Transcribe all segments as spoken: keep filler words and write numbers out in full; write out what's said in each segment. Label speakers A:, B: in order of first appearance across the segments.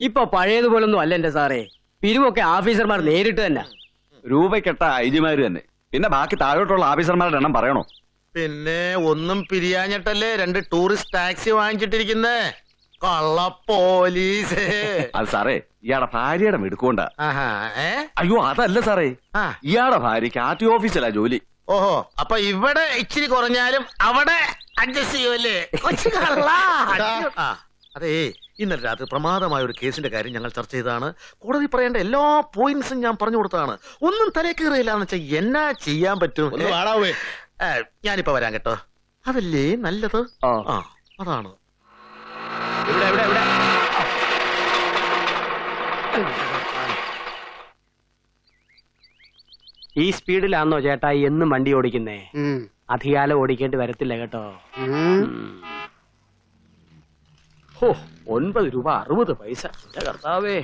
A: ഇപ്പൊ പഴയതുപോലൊന്നും അല്ല എന്റെ സാറേ. പിരിവൊക്കെ ഓഫീസർമാർ നേരിട്ട് തന്നെ.
B: രൂപക്കെട്ട ഐജിമാര് തന്നെ. പിന്നെ ബാക്കി താഴോട്ടുള്ള ഓഫീസർമാരുടെ എണ്ണം പറയണോ?
C: പിന്നെ ഒന്നും പിരിയാഞ്ഞിട്ടല്ലേ രണ്ട് ടൂറിസ്റ്റ് ടാക്സി വാങ്ങിച്ചിട്ടിരിക്കുന്നേ. കള്ള പോലീസ്.
B: അത് സാറേ ഇയാളുടെ ഭാര്യയുടെ മെടുക്കൊണ്ടാ.
C: ഏ
B: അയ്യോ അതല്ല സാറേ, ഇയാളുടെ ഭാര്യക്ക് ആർ ടി ഓഫീസിലാ ജോലി.
C: ഓഹോ, അപ്പൊ ഇവിടെ ഇച്ചിരി കുറഞ്ഞാലും അവിടെ അഡ്ജസ്റ്റ് ചെയ്യുമല്ലേ? അതെ, ഇന്നലെ രാത്രി പ്രമാദമായ ഒരു കേസിന്റെ കാര്യം ഞങ്ങൾ ചർച്ച ചെയ്താണ്. കോടതി പറയേണ്ട എല്ലാ പോയിന്റ്സും ഞാൻ പറഞ്ഞു കൊടുത്താണ്. ഒന്നും തലേ കയറിയില്ലാന്ന് വെച്ചാൽ എന്നാ ചെയ്യാൻ പറ്റും? ഞാനിപ്പോ വരാൻ കേട്ടോ. അതല്ലേ നല്ലത്. ആ അതാണ്.
A: ഇവിടെ ഇവിടെ ഇവിടെ ഈ സ്പീഡിലാണോ ചേട്ടാ എന്നും വണ്ടി ഓടിക്കുന്നേ? അധികാലം ഓടിക്കേണ്ടി വരത്തില്ല കേട്ടോ. ഓ, ഒൻപത് രൂപ അറുപത് പൈസ. എന്റെ കർത്താവേ.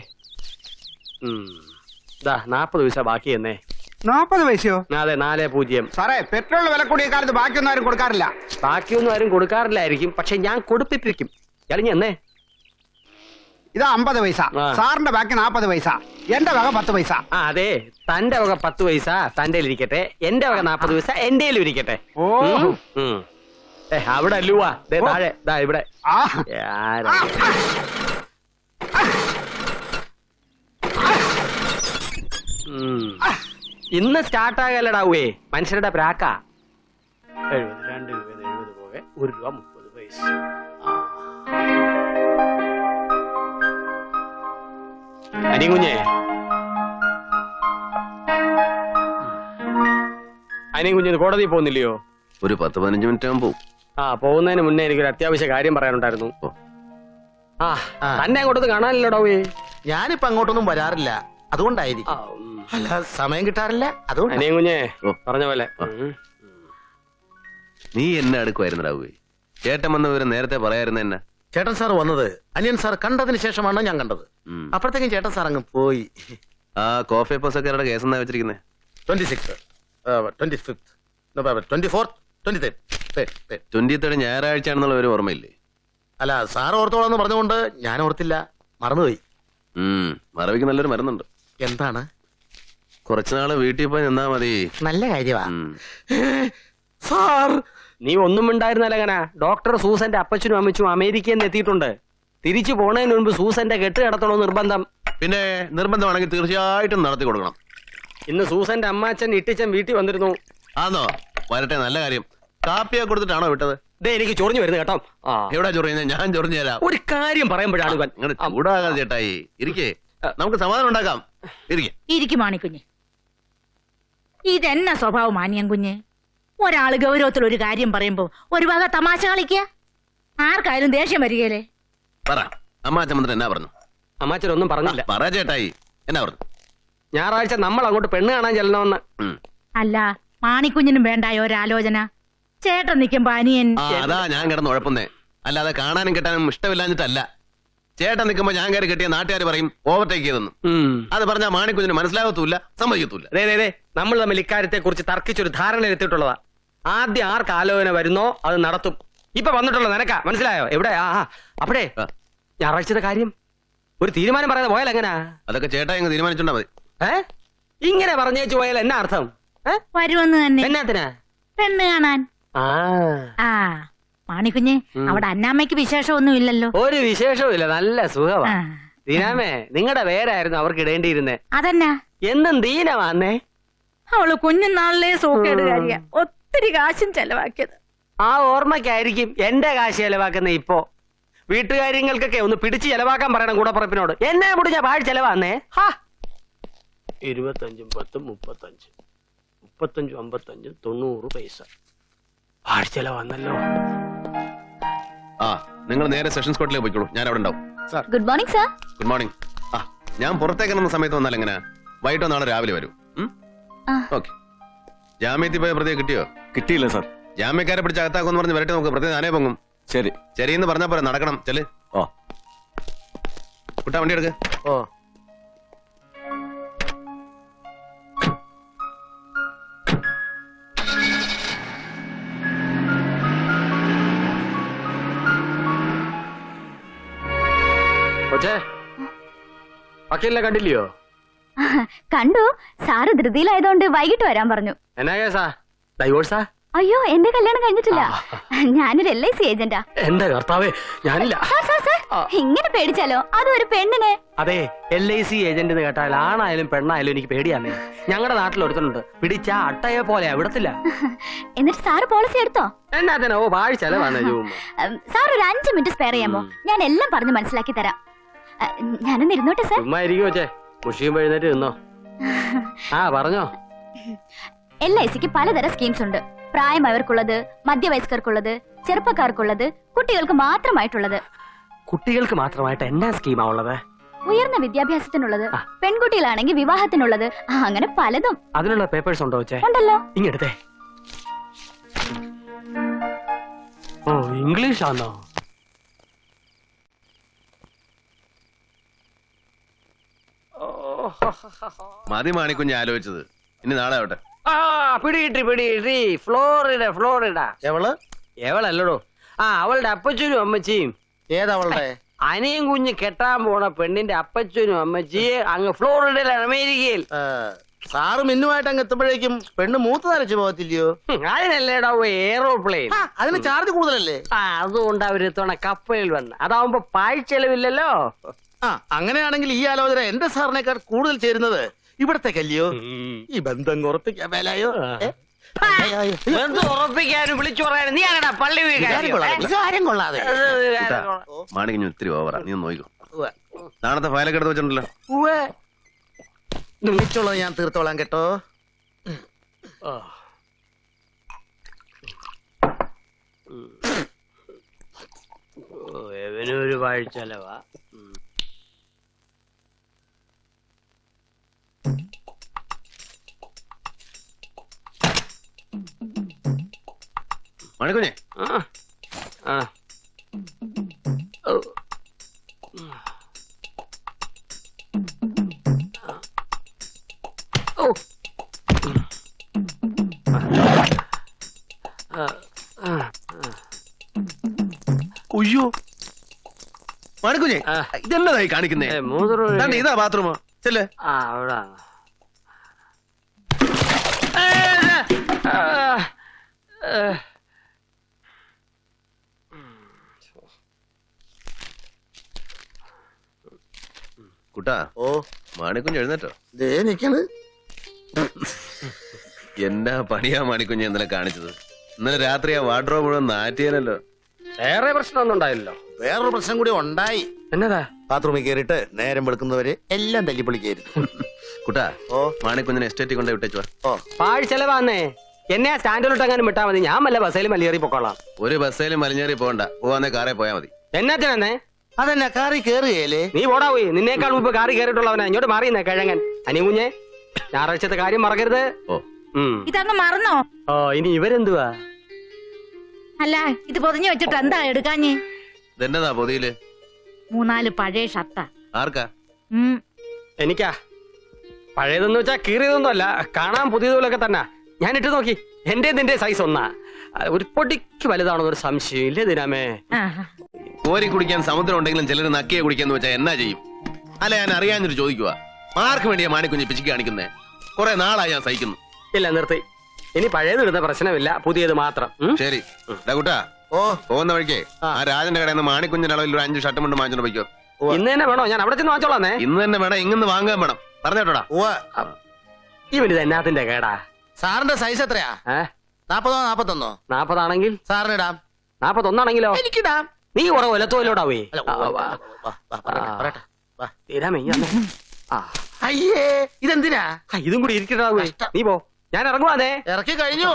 A: ഇതാ നാപ്പത് പൈസ ബാക്കി എന്നേ.
D: നാപ്പത് പൈസയോ?
A: അതെ, നാല് പൂജ്യം.
D: സാറേ, പെട്രോൾ വില കൂടിയ കാലത്ത് ബാക്കിയൊന്നും ആരും കൊടുക്കാറില്ല.
A: ബാക്കിയൊന്നും ആരും കൊടുക്കാറില്ലായിരിക്കും, പക്ഷെ ഞാൻ കൊടുപ്പിപ്പിക്കും. ഇളഞ്ഞ എന്നേ.
D: ഇതാ അമ്പത് പൈസ. സാറിന്റെ ബാക്കി നാപ്പത് പൈസ. എന്റെ വക പത്ത് പൈസ.
A: ആ അതെ, തന്റെ വക പത്ത് പൈസ തന്റെ ഇരിക്കട്ടെ, എന്റെ വക നാപ്പത് പൈസ എന്റെ ഇരിക്കട്ടെ. ഓ ഏ അവിടെ അല്ലുവാ താഴെ ദാ ഇവിടെ. ഇന്ന് സ്റ്റാർട്ടാകല്ലടാവേ മനുഷ്യരുടെ പ്രാക്ക. എഴുപത് രണ്ട് രൂപ എഴുപത് പോകെ ഒരു രൂപ മുപ്പത് പൈസ. അനികുഞ്ഞേ, അനികുഞ്ഞ് കോടതി പോകുന്നില്ലയോ?
E: ഒരു പത്ത് പതിനഞ്ച് മിനിറ്റ് ആകുമ്പോ.
A: ആ, പോകുന്നതിന് മുന്നേ എനിക്കൊരു അത്യാവശ്യ കാര്യം പറയാനുണ്ടായിരുന്നു. ആ തന്നെ അങ്ങോട്ടൊന്ന് കാണാനില്ലടോവേ.
C: ഞാനിപ്പോ അങ്ങോട്ടൊന്നും വരാറില്ല, അതുകൊണ്ടായിരിക്കും. അല്ല, സമയം കിട്ടാറില്ല, അതുകൊണ്ട്.
A: അനികുഞ്ഞേ പറഞ്ഞ പോലെ.
E: നീ എന്നെ അടുക്കുമായിരുന്നടാവേ. ചേട്ടൻ വന്ന വിവരം നേരത്തെ പറയായിരുന്നു. എന്നെ
C: ചേട്ടൻ സാർ വന്നത് അനിയൻ സാർ കണ്ടതിന് ശേഷമാണ് ഞാൻ കണ്ടത്. അപ്പോഴത്തേക്കും ചേട്ടൻ സാർ അങ്ങ് പോയി.
E: ആ കോഫി പസക്കാരുടെ കേസ് എന്നാ വെച്ചിരിക്കുന്നേ?
C: Twenty six twenty fifth twenty fourth twenty third
E: twenty third ഞായറാഴ്ച ആണെന്നുള്ള ഒരു ഓർമ്മയില്ലേ?
C: അല്ല, സാർ ഓർത്തോളാന്ന് പറഞ്ഞുകൊണ്ട് ഞാൻ ഓർത്തില്ല, മറന്നുപോയി.
E: ഉം മറവിക്ക് നല്ലൊരു മരുന്നുണ്ട്.
C: എന്താണ്?
E: കുറച്ചുനാള് വീട്ടിൽ പോയി നിന്നാ മതി.
C: നല്ല കാര്യമാ സാർ.
A: നീ ഒന്നും ഉണ്ടായിരുന്നല്ല. അങ്ങനെ ഡോക്ടർ സൂസന്റെ അപ്പച്ചനും അമ്മച്ചും അമേരിക്കയിൽ നിന്ന് എത്തിയിട്ടുണ്ട്. തിരിച്ചു പോണതിന് മുൻപ് സൂസന്റെ കെട്ട് കിടത്തണോ നിർബന്ധം.
E: പിന്നെ നിർബന്ധമാണെങ്കിൽ തീർച്ചയായിട്ടും നടത്തി കൊടുക്കണം.
A: ഇന്ന് സൂസന്റെ അമ്മാച്ചൻ ഇട്ടിച്ചൻ വീട്ടിൽ വന്നിരുന്നു.
E: ആന്നോ? വരട്ടെ, നല്ല കാര്യം. കാപ്പിയെ കൊടുത്തിട്ടാണോ വിട്ടത്?
A: ദേ എനിക്ക് ചൊറിഞ്ഞു വരുന്നു കേട്ടോ.
E: എവിടെ ചൊറിയുന്നത്? ഞാൻ ചൊറിഞ്ഞു തരാം.
A: ഒരു കാര്യം പറയുമ്പോഴാണ്
E: ഇങ്ങനെ ചൂടാകാതെ ചേട്ടായി. ഇരിക്കേ, നമുക്ക് സമാധാനം ഉണ്ടാക്കാം. ഇരിക്കേ.
F: ഇരിക്കും മാണിക്കുഞ്ഞ്. ഇതെന്നാ സ്വഭാവം മാനിയം കുഞ്ഞ്? ഒരാള് ഗൗരവത്തിൽ ഒരു കാര്യം പറയുമ്പോ ഒരു വക തമാശ കളിക്കുക. ആർക്കായാലും ദേഷ്യം വരികയല്ലേ?
E: പറ, അമ്മാച്ചൻ വന്നിട്ട് എന്നാ പറഞ്ഞു?
A: അമ്മാച്ചൻ ഒന്നും പറഞ്ഞില്ല.
E: പറ ചേട്ടായി, എന്നാ പറഞ്ഞു?
A: ഞായറാഴ്ച നമ്മൾ അങ്ങോട്ട് പെണ്ണ് കാണാൻ ചെല്ലണമെന്ന്.
F: അല്ല, മാണിക്കുഞ്ഞിനും വേണ്ടായോ ഒരാലോചന? ചേട്ടൻ നിൽക്കുമ്പോ അനിയൻ.
E: അതാ ഞാൻ കിടന്ന് ഉഴപ്പുന്നേ. അല്ലാതെ കാണാനും കിട്ടാനും ഇഷ്ടമില്ലാഞ്ഞിട്ടല്ല. ചേട്ടൻ നിൽക്കുമ്പോ ഞാൻ കയറി കിട്ടിയ നാട്ടുകാർ പറയും ഓവർടേക്ക് ചെയ്തെന്ന്. അത് പറഞ്ഞാൽ മാണിക്കുഞ്ഞിന് മനസ്സിലാകത്തൂല്ല, സമ്മതിക്കത്തൂല്ല.
A: അതെ, നമ്മൾ തമ്മിൽ ഇക്കാര്യത്തെ കുറിച്ച് തർക്കിച്ചൊരു ധാരണ എത്തിയിട്ടുള്ളതാ. ആദ്യം ആർക്ക് ആലോചന വരുന്നോ അത് നടത്തും. ഇപ്പൊ വന്നിട്ടുള്ള നിനക്കാ, മനസ്സിലായോ? എവിടെ? ആ അപ്പഴേ ഞായറാഴ്ചത്തെ കാര്യം ഒരു തീരുമാനം പറയാതെ പോയാൽ എങ്ങനാ?
E: അതൊക്കെ ചേട്ടാ ഇങ്ങ് തീരുമാനിച്ചോണ്ടാ മതി.
A: ഏ ഇങ്ങനെ പറഞ്ഞേച്ചു പോയാൽ എന്നാ അർത്ഥം?
F: വരുമെന്ന് തന്നെ.
A: എന്നാത്തിനാ?
F: പെണ്ണ് കാണാൻ. ആ മാണിക്കുഞ്ഞ്, അവിടെ അന്നാമ്മയ്ക്ക് വിശേഷമൊന്നും ഇല്ലല്ലോ?
A: ഒരു വിശേഷവും ഇല്ല, നല്ല സുഖമാ. ദീനാമേ, നിങ്ങളുടെ പേരായിരുന്നു അവർക്ക് ഇടേണ്ടിയിരുന്നേ.
F: അതെന്നാ?
A: എന്നും ദീനമാന്നേ.
F: അവള് കുഞ്ഞുനാളിലെ സൂക്കേടുകാരിയ, ഒത്തിരി കാശും ചെലവാക്കിയത്.
A: ആ ഓർമ്മയ്ക്കായിരിക്കും എന്റെ കാശ് ചെലവാക്കുന്ന. ഇപ്പോ വീട്ടുകാര്യങ്ങൾക്കൊക്കെ ഒന്ന് പിടിച്ച് ചെലവാക്കാൻ പറയണം കൂടപ്പുറപ്പിനോട്. എന്നെ കൂടി ഞാൻ പാഴ് ചെലവാന്നേ. ഹാ, ഇരുപത്തഞ്ചും പത്തും മുപ്പത്തഞ്ച് മുപ്പത്തഞ്ചും അമ്പത്തഞ്ചും തൊണ്ണൂറ് പൈസ പാഴ് ചെലവാന്നല്ലോ.
E: ആ, നിങ്ങൾ നേരെ സെഷൻസ് കോർട്ടിലേക്ക് പോയിക്കോളൂ, ഞാൻ അവിടെ ഉണ്ടാവും.
F: Good morning sir.
E: Good morning. ആ, ഞാൻ പുറത്തേക്ക് ഇറങ്ങുന്ന സമയത്ത് വന്നാൽ എങ്ങനെ? വൈകിട്ടോ നാളെ രാവിലെ വരൂ. ഓക്കെ. ജാമ്യത്തിൽ പോയ പ്രതിയെ കിട്ടിയോ?
B: കിട്ടിയില്ല സാർ.
E: ജാമ്യക്കാരെ പിടിച്ച് അകത്താക്കുമെന്ന് പറഞ്ഞ് വരട്ടെ, നമുക്ക് പ്രതി നാനേ പൊങ്ങും.
B: ശരി
E: ശരിയെന്ന് പറഞ്ഞാ പോരെ, നടക്കണം. ചെല്.
B: ഓ
E: കുട്ടാ, വണ്ടി എടുക്ക.
C: ഓ
A: കൊച്ചേ, വക്കീലിനെ കണ്ടില്ലയോ?
G: കണ്ടു. സാറ് ധൃതിയിലായതുകൊണ്ട് വൈകിട്ട് വരാൻ പറഞ്ഞു.
A: എന്നാ കേസാ? ഡൈവോഴ്സാ?
G: അയ്യോ, എന്റെ കല്യാണം കഴിഞ്ഞിട്ടില്ല. ഞാനൊരു എൽ ഐ സി ഏജന്റാ.
A: എന്റെ കർത്താവേ, ഞാനില്ല.
G: സാർ സാർ സാർ ഇങ്ങനെ പേടിച്ചാലോ? അതും ഒരു പെണ്ണിനെ.
A: അതെ, എൽ ഐ സി ഏജന്റ് എന്ന് കേട്ടാൽ ആണായാലും പെണ്ണായാലും എനിക്ക് പേടിയാന്നേ. ഞങ്ങളുടെ നാട്ടിൽ ഒരുത്തനുണ്ട്, പിടിച്ചാ അട്ടയെ പോലെ വിടത്തില്ല.
G: എന്നിട്ട് സാറ് പോളിസി എടുത്തോ?
A: എന്നാ ഓ ഭാഴ ചെലവാണ്.
G: സാർ ഒരു അഞ്ചു മിനിറ്റ് സ്പെയർ ചെയ്യാമോ? ഞാൻ എല്ലാം പറഞ്ഞു മനസ്സിലാക്കി തരാം. ഞാനൊന്ന് ഇരുന്നോട്ടെ സാർ.
A: ചുമ്മാ ഇരിക്കും വെച്ചേ, മുഷിയും എഴുന്നേറ്റ് നിന്നോ. ആ പറഞ്ഞോ.
G: എൽ ഐ സിക്ക് പലതരം സ്കീംസ് ഉണ്ട്. പ്രായമായവർക്കുള്ളത്, മധ്യവയസ്കർക്കുള്ളത്, ചെറുപ്പക്കാർക്കുള്ളത്, കുട്ടികൾക്ക് മാത്രമായിട്ടുള്ളത്.
A: കുട്ടികൾക്ക് മാത്രമായിട്ട് എന്നാ സ്കീമാ ഉള്ളത്?
G: ഉയർന്ന വിദ്യാഭ്യാസത്തിനുള്ളത്, പെൺകുട്ടികളാണെങ്കിൽ വിവാഹത്തിനുള്ളത്, അങ്ങനെ പലതും.
A: അതിനുള്ള പേപ്പേഴ്സ് ഉണ്ടോ വെച്ചേ?
G: ഉണ്ടല്ലോ.
A: ഇങ്ങെടുത്തേ. ഓ, ഇംഗ്ലീഷ് ആണോ?
E: മതി മാണിക്കുഞ്ഞ് ആലോചിച്ചത്. ഇനി നാളെ ആവട്ടെ.
A: ആ പിടികിട്ടി പിടികിട്ടി. Florida Florida.
C: എവള്
A: എവളല്ലടോ. ആ അവളുടെ അപ്പച്ചനും അമ്മച്ചിയും.
C: ഏതവളുടെ?
A: അനിയും കുഞ്ഞ് കെട്ടാൻ പോണ പെണ്ണിന്റെ അപ്പച്ചനും അമ്മച്ചിയെ അങ്ങ് ഫ്ലോറിഡയിലാണ്, അമേരിക്കയിൽ.
C: സാറ് മിന്നുമായിട്ട് അങ്ങ് എത്തുമ്പോഴേക്കും പെണ്ണ് മൂത്ത് നരച്ചു പോകത്തില്ലയോ?
A: അതിനല്ലേടാ എയറോപ്ലെയിൻ.
C: അതിന് ചാർജ് കൂടുതലല്ലേ?
A: ആ അതുകൊണ്ട് അവരെത്തവണ കപ്പലിൽ വന്ന്. അതാവുമ്പോ പാഴ്ചെലവില്ലല്ലോ.
C: ആ അങ്ങനെയാണെങ്കിൽ ഈ ആലോചന എന്റെ സാറിനേക്കാൾ കൂടുതൽ ചേരുന്നത് ഇവിടത്തേക്കല്ലയോ? ഈ ബന്ധം ഉറപ്പിക്കാൻ മേലായോ?
A: ബന്ധം ഉറപ്പിക്കാനും വിളിച്ചു പറയാനും നീ അങ്ങനെ പള്ളി
C: വികാരം കൊള്ളാതെ.
E: മാണിക്കുഞ്ഞ് ഒത്തിരി ഓവറാ, നീ ഒന്ന് നോക്കോ. നാളത്തെ ഫയലൊക്കെ എടുത്ത് വെച്ചിട്ടുണ്ടല്ലോ.
C: വിളിച്ചോളൂ, ഞാൻ തീർത്തോളാം കേട്ടോ.
A: എവനൊരു പാഴ്ചെലവാ.
E: മാണിക്കുഞ്ഞെ
A: ആ
E: ഉയ്യോ മാണിക്കുഞ്ഞെ, ഇതെന്നതായി കാണിക്കുന്നേ?
A: മൂത്രം
E: ഇതാ ബാത്റൂമോ? ചെല്ലേ.
A: ആ അവിടെ
E: കുട്ടാ.
C: ഓ
E: മാണിക്കുഞ്ഞ് എഴുന്നേറ്റോ?
C: ദേ നിക്കണ്.
E: എന്നാ പണിയാ മാണിക്കുഞ്ഞ് ഇന്നലെ കാണിച്ചത്? ഇന്നലെ രാത്രി ആ വാർഡ്രോബ് മുഴുവൻ നാറ്റിയാലല്ലോ.
A: വേറെ പ്രശ്നമൊന്നും ഉണ്ടായില്ലല്ലോ.
C: വേറൊരു പ്രശ്നം കൂടി ഉണ്ടായി.
A: എന്നതാ?
C: ബാത്റൂമിൽ കയറിയിട്ട് നേരം വെളുക്കുന്നവര് എല്ലാം തല്ലിപ്പൊളിക്കായിരുന്നു.
E: കുട്ടാ,
C: ഓ
E: മാണിക്കുഞ്ഞിനെ എസ്റ്റേറ്റിൽ കൊണ്ട് വിട്ടേച്ചു.
C: ഓ
A: പാഴ് ചെലവാന്നേ. എന്നെ സ്റ്റാൻഡിലോട്ട് അങ്ങനെ വിട്ടാ മതി. ഞാൻ വല്ല ബസ്സേൽ മലിയേറി പൊക്കോളാം.
E: ഒരു ബസ്സേലും മലിഞ്ഞേറി പോകണ്ട, പോവാന്നേ കാറേ പോയാ മതി.
A: എന്നാത്തിനെ?
C: അതെന്നാ കാറി കേറുകയല്ലേ?
A: നീ ഓടാ പോയി. നിന്നേക്കാൾ മുമ്പ് കാറി കയറിയിട്ടുള്ളവനാ. ഇങ്ങോട്ട് മാറിയുന്നേ കിഴങ്ങൻ. അനികുഞ്ഞെ, ഞായറാഴ്ചത്തെ കാര്യം മറക്കരുത്.
E: ഓ
F: ഇതങ്ങ് മറന്നോ?
A: ഓ ഇനി ഇവരെന്തുവാ?
F: അല്ല, ഇത് പൊതിഞ്ഞു വെച്ചിട്ട് എന്താ എടുക്കാഞ്ഞ്?
E: ഇതെന്നതാ പൊതിയില്?
F: മൂന്നാല് പഴയ ഷർട്ടാ.
E: ആർക്കാ?
A: എനിക്കാ. പഴയതെന്ന് വെച്ചാ കീറിയതൊന്നും അല്ല, കാണാൻ പുതിയതുപോലൊക്കെ തന്നെ. ഞാൻ ഇട്ട് നോക്കി, എന്റെ നിന്റെ സൈസ് ഒന്നാ. ഒരു പൊടിക്ക് വലുതാണെന്നൊരു സംശയം ഇല്ലേ ദിനാമേ?
E: കോരി കുടിക്കാൻ സമുദ്രം ഉണ്ടെങ്കിലും ചിലർ നക്കിയെ കുടിക്കാന്ന് വെച്ചാൽ എന്നാ ചെയ്യും? അല്ല, ഞാൻ അറിയാഞ്ഞൊരു ചോദിക്കുക. ആർക്ക് വേണ്ടിയാ മാണിക്കുഞ്ഞ് പിച്ചിക്ക് കാണിക്കുന്നേ? കുറെ നാളായി ഞാൻ സഹിക്കുന്നു.
A: ഇല്ല, നിർത്തി. ഇനി പഴയത് ഇടുന്ന പ്രശ്നമില്ല, പുതിയത് മാത്രം.
E: ശരി കുട്ടാ. ഓ പോകുന്ന വഴിക്ക് ആ രാജന്റെ കടയിൽ നിന്ന് മാണിക്കുഞ്ഞിന്റെ അളവിൽ ഒരു അഞ്ച് ഷർട്ട് കൊണ്ട് വാങ്ങിച്ചോണ്ട് പോയിക്കോ.
A: ഇന്ന് തന്നെ വേണോ? ഞാൻ അവിടെ ചെന്ന് വാങ്ങിച്ചോളാന്നേ.
E: ഇന്ന് തന്നെ വേണം, ഇങ്ങനെ വാങ്ങാൻ വേണം. പറഞ്ഞോട്ടാ.
A: ഇവനിത് എന്നാത്തിന്റെ കേടാ?
C: സാറിന്റെ സൈസ് എത്രയാ? നാപ്പതോ നാപ്പത്തൊന്നോ?
A: നാപ്പതാണെങ്കിൽ
C: സാറിന് ഇടാം.
A: നാപ്പത്തൊന്നാണെങ്കിലോ?
C: എനിക്കിടാം.
A: നീ കുറെ ഒലത്തോലോടാ പോയി.
C: അയ്യേ, ഇതെന്തിനാ?
A: ഇതും കൂടി ഇരിക്കട്ടാ പോയി. നീ പോ, ഞാൻ ഇറങ്ങുവാന്നേ.
C: ഇറക്കി കഴിഞ്ഞു.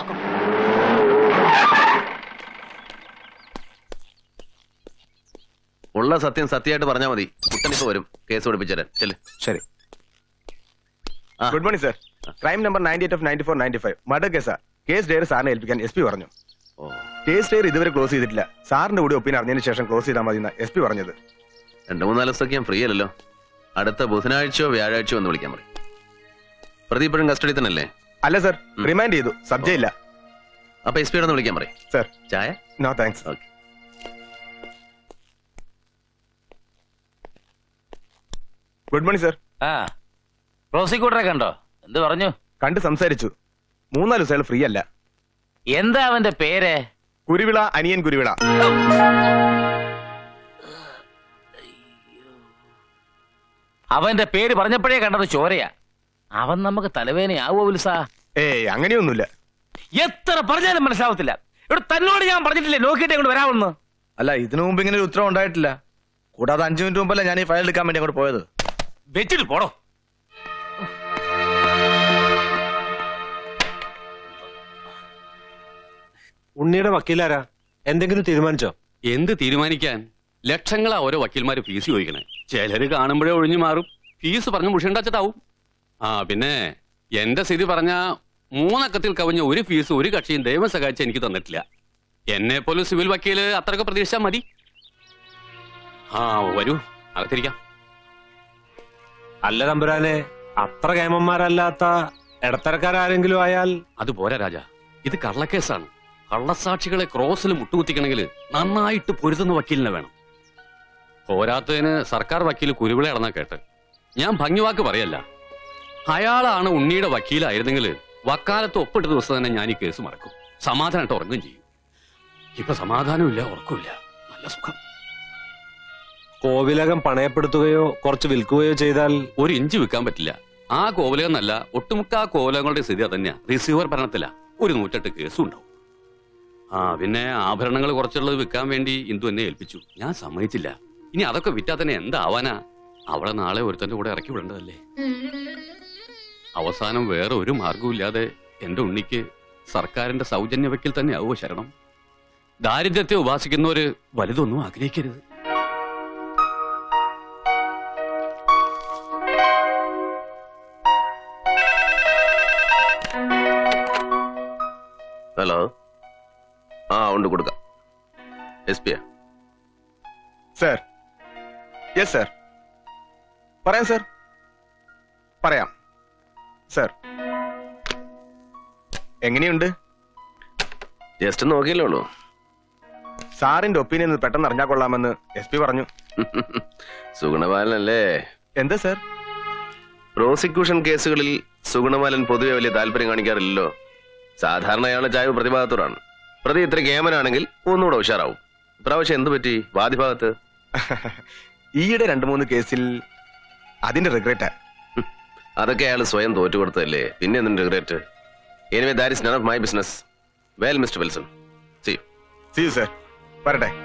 E: ഉള്ള സത്യം സത്യമായിട്ട് പറഞ്ഞാൽ മതി. കുട്ടനിപ്പോ വരും കേസ് പഠിപ്പിച്ചേരാൻ. ചെല്.
H: ശരി. Good morning sir. Crime number ninety eight of ninety four ninety five murder കേസാ. കേസ് ഡയറി സാറിനെ ഏൽപ്പിക്കാൻ എസ് പി പറഞ്ഞു. കേസ് ഡയറി ഇതുവരെ ക്ലോസ് ചെയ്തിട്ടില്ല. സാറിന്റെ കൂടി ഒപ്പീനിയൻ അറിഞ്ഞതിന് ശേഷം ക്ലോസ് ചെയ്താൽ മതി എസ് പി പറഞ്ഞത്.
E: രണ്ടു മൂന്നാല് ദിവസമൊക്കെ ഞാൻ ഫ്രീ അല്ലല്ലോ. അടുത്ത ബുധനാഴ്ചയോ വ്യാഴാഴ്ചയോ ഒന്ന് വിളിക്കാൻ പറയും. പ്രതി ഇപ്പോഴും കസ്റ്റഡി തന്നെ അല്ലേ?
H: അല്ല സർ, റിമാൻഡ് ചെയ്തു. സബ്ജക്റ്റ് ഇല്ല.
E: അപ്പൊ എസ് പിയോട് ഒന്ന് വിളിക്കാൻ പറയും.
H: സർ.
E: ചായ?
H: No thanks.
E: Okay.
H: Good morning sir.
I: ആ പ്രോസിക്യൂട്ടറെ കണ്ടോ? എന്ത് പറഞ്ഞു?
H: കണ്ട് സംസാരിച്ചു. മൂന്നാല് ദിവസം ഫ്രീ അല്ല.
I: എന്താ അവന്റെ പേര്?
H: കുരുവിള, അനിയൻ കുരുവിള.
I: അവന്റെ പേര് പറഞ്ഞപ്പോഴേ കണ്ടത് ചോരയാ. അവൻ നമുക്ക് തലവേനയാവോ വിൽസാ?
H: ഏയ് അങ്ങനെയൊന്നുമില്ല.
I: എത്ര പറഞ്ഞാലും മനസ്സിലാവത്തില്ല. ഇവിടെ തന്നോട് ഞാൻ പറഞ്ഞിട്ടില്ലേ നോക്കിയിട്ട് അങ്ങോട്ട് വരാമെന്ന്?
J: അല്ല, ഇതിനു മുമ്പ് ഇങ്ങനെ ഒരു ഉത്തരവ് ഉണ്ടായിട്ടില്ല. കൂടാതെ അഞ്ചു മിനിറ്റ് മുമ്പല്ല ഞാൻ ഈ ഫയൽ എടുക്കാൻ വേണ്ടി അങ്ങോട്ട് പോയത്.
I: വെച്ചിട്ട് പോടോ.
K: ഉണ്ണിയുടെ വക്കീലാരാ? എന്തെങ്കിലും തീരുമാനിച്ചോ?
L: എന്ത് തീരുമാനിക്കാൻ? ലക്ഷങ്ങളാ ഓരോ വക്കീൽമാര് ഫീസ് ചോദിക്കണേ. ചിലര് കാണുമ്പോഴേ ഒഴിഞ്ഞു മാറും. ഫീസ് പറഞ്ഞ് മുഷിണ്ടാച്ചിട്ടാവും. ആ പിന്നെ എന്റെ സ്ഥിതി പറഞ്ഞ മൂന്നക്കത്തിൽ കവിഞ്ഞ ഒരു ഫീസ് ഒരു കക്ഷിയും ദൈവം സഹായിച്ച് എനിക്ക് തന്നിട്ടില്ല. എന്നെ പോലും സിവിൽ വക്കീല് അത്രയൊക്കെ പ്രതീക്ഷിച്ചാൽ മതി. ആ വരൂ, അകത്തിരിക്കാം.
K: അല്ല തമ്പുരാനെ, അത്ര കേമന്മാരല്ലാത്ത ഇടത്തരക്കാരെങ്കിലും ആയാൽ
L: അത് പോരാ രാജ. ഇത് കള്ളക്കേസാണ്. കള്ളസാക്ഷികളെ ക്രോസിൽ മുട്ടുകുത്തിക്കണമെങ്കിൽ നന്നായിട്ട് പൊരുതുന്ന വക്കീലിനെ വേണം. പോരാത്തതിന് സർക്കാർ വക്കീൽ കുരുവിളയാണെന്നാ കേട്ട്. ഞാൻ ഭംഗിവാക്ക് പറയല്ല. അയാളാണ് ഉണ്ണിയുടെ വക്കീലായിരുന്നെങ്കിൽ വക്കാലത്ത് ഒപ്പിട്ട ദിവസം തന്നെ ഞാൻ ഈ കേസ് മറക്കും. സമാധാനമായിട്ട് ഉറങ്ങുകയും ചെയ്യും. ഇപ്പൊ സമാധാനമില്ല, ഉറക്കമില്ല, നല്ല സുഖം.
K: കോവിലകം പണയപ്പെടുത്തുകയോ കുറച്ച് വിൽക്കുകയോ ചെയ്താൽ
L: ഒരു ഇഞ്ച് വിൽക്കാൻ പറ്റില്ല. ആ കോവിലകം എന്നല്ല, ഒട്ടുമുക്ക ആ കോവിലകങ്ങളുടെ സ്ഥിതി അതന്നെയാ. റിസീവർ ഭരണത്തില ഒരു നൂറ്റെട്ട് കേസും ഉണ്ടാവും. ആ പിന്നെ ആഭരണങ്ങൾ കുറച്ചുള്ളത് വിൽക്കാൻ വേണ്ടി ഇന്ദു എന്നെ ഏൽപ്പിച്ചു. ഞാൻ സമ്മതിച്ചില്ല. ഇനി അതൊക്കെ വിറ്റാ തന്നെ എന്താവാനാ? അവളെ നാളെ ഒരുത്തന്റെ കൂടെ ഇറക്കി വിടേണ്ടതല്ലേ. അവസാനം വേറെ ഒരു മാർഗവും എന്റെ ഉണ്ണിക്ക് സർക്കാരിന്റെ സൗജന്യ വക്കീൽ തന്നെ ആവോ ശരണം. ദാരിദ്ര്യത്തെ ഉപാസിക്കുന്നവര് വലുതൊന്നും ആഗ്രഹിക്കരുത്.
E: ഹലോ. ആ ഉണ്ട്, കൊടുക്കാം. എസ് പിയാ?
H: സർ. Yes sir. പറയാം സർ, പറയാം സർ. എങ്ങനെയുണ്ട്?
E: ജസ്റ്റ് നോക്കിയല്ലേ ഉള്ളൂ.
H: സാറിന്റെ ഒപ്പീനിയൻ പെട്ടെന്ന് അറിഞ്ഞാൽ കൊള്ളാമെന്ന് എസ് പി പറഞ്ഞു.
E: സുഗുണപാലനല്ലേ?
H: എന്താ സർ?
E: പ്രോസിക്യൂഷൻ കേസുകളിൽ സുഗുണപാലൻ പൊതുവെ വലിയ താല്പര്യം കാണിക്കാറില്ലല്ലോ. സാധാരണ അയാളുടെ ചായ്വ് പ്രതിഭാഗത്തോടാണ്. പ്രതി ഇത്ര കേമനാണെങ്കിൽ ഒന്നുകൂടെ ഉഷാറാവും. ഇപ്രാവശ്യം എന്ത് പറ്റി വാദിഭാഗത്ത്?
H: ഈയിടെ രണ്ടു മൂന്ന് കേസിൽ അതിന്റെ റിഗ്രറ്റ്.
E: അതൊക്കെ അയാൾ സ്വയം തോറ്റുകൊടുത്തതല്ലേ, പിന്നെ എന്തിന്റെ regret? Anyway that is none of my business. Well mister Wilson, see you.
H: See you sir. വരട്ടെ.